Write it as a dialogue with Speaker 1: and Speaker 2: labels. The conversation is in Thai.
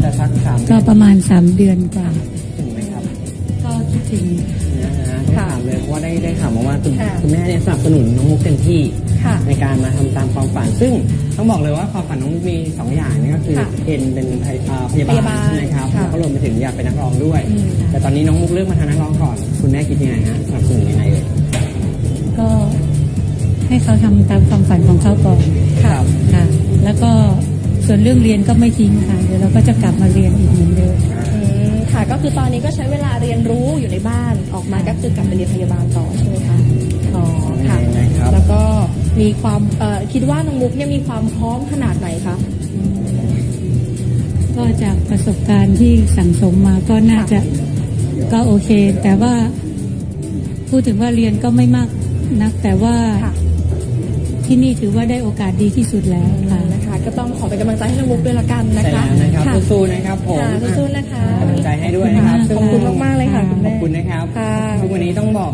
Speaker 1: จะสัก3
Speaker 2: ก็ประมาณ3 เดือนกว่า
Speaker 1: ถึงไหมครับ
Speaker 2: ก็คิดถึง
Speaker 1: นะฮะถามเลยเพราะว่าได้ข่าวมาว่าคุณ
Speaker 3: ค่ะ
Speaker 1: คุณแม่เนี่ยสนับสนุนน้องมุกเต็มที่
Speaker 3: ค่ะ
Speaker 1: ในการมาทำตามความฝันซึ่งต้องบอกเลยว่าความฝันน้องมุกมี2 อย่างนี่ก็คือ
Speaker 3: ค่ะ
Speaker 1: เป็นพยา
Speaker 3: พยา
Speaker 1: บา
Speaker 3: บา
Speaker 1: ล
Speaker 3: ล
Speaker 1: นะครับ
Speaker 3: ค่ะ
Speaker 1: แล้วก็รวมไปถึงอยากเป็นนักร้องด้วย
Speaker 3: อืม
Speaker 1: แต่ตอนนี้น้องมุกเลือกมาทางนักร้องก่อนคุณแม่คิดยังไงฮะสนับสนุนยังไงเลย
Speaker 2: ก็ให้เขาทำตามความฝันของเขาก่อน
Speaker 1: ครับ
Speaker 2: ค่ะ แล้วก็ส่วนเรื่องเรียนก็ไม่ทิ้งค่ะเดี๋ยวเราก็จะกลับมาเรียนอีกเหมือนเดิม
Speaker 3: ค่ะก็คือตอนนี้ก็ใช้เวลาเรียนรู้อยู่ในบ้านออกมาก็คือกลับไปเรียนพยาบาลต่อใช่ไหมคะอ๋อค่ะ
Speaker 1: นะครับ
Speaker 3: แล้วก็มีความคิดว่าน้องมุกเนี่ยมีความพร้อมขนาดไหนคะ
Speaker 2: ก็จากประสบการณ์ที่สั่งสมมาก็น่าจะก็โอเค แต่ว่าพูดถึงว่าเรียนก็ไม่มากนัก แต่ว่า
Speaker 3: ค่ะ
Speaker 2: ที่นี่ถือว่าได้โอกาสดีที่สุดแล้วค่ะ
Speaker 3: นะคะ ก็ต้องขอเป็นกำลังใจให้น้องมุกด้วยละกันนะ
Speaker 1: ใช่
Speaker 3: คะ
Speaker 1: แล้วนะครับ
Speaker 3: ค่ะ
Speaker 1: สู้ๆนะครับผม
Speaker 3: ค่ะสู้ๆนะคะ
Speaker 1: กำลังใจให้ด้วยนะครับ
Speaker 3: ขอบคุณมากๆเลยค่ะคุณ
Speaker 1: ข
Speaker 3: แม่
Speaker 1: อบคุณนะครับ
Speaker 3: ค่ะ
Speaker 1: ทุกวันนี้ต้องบอก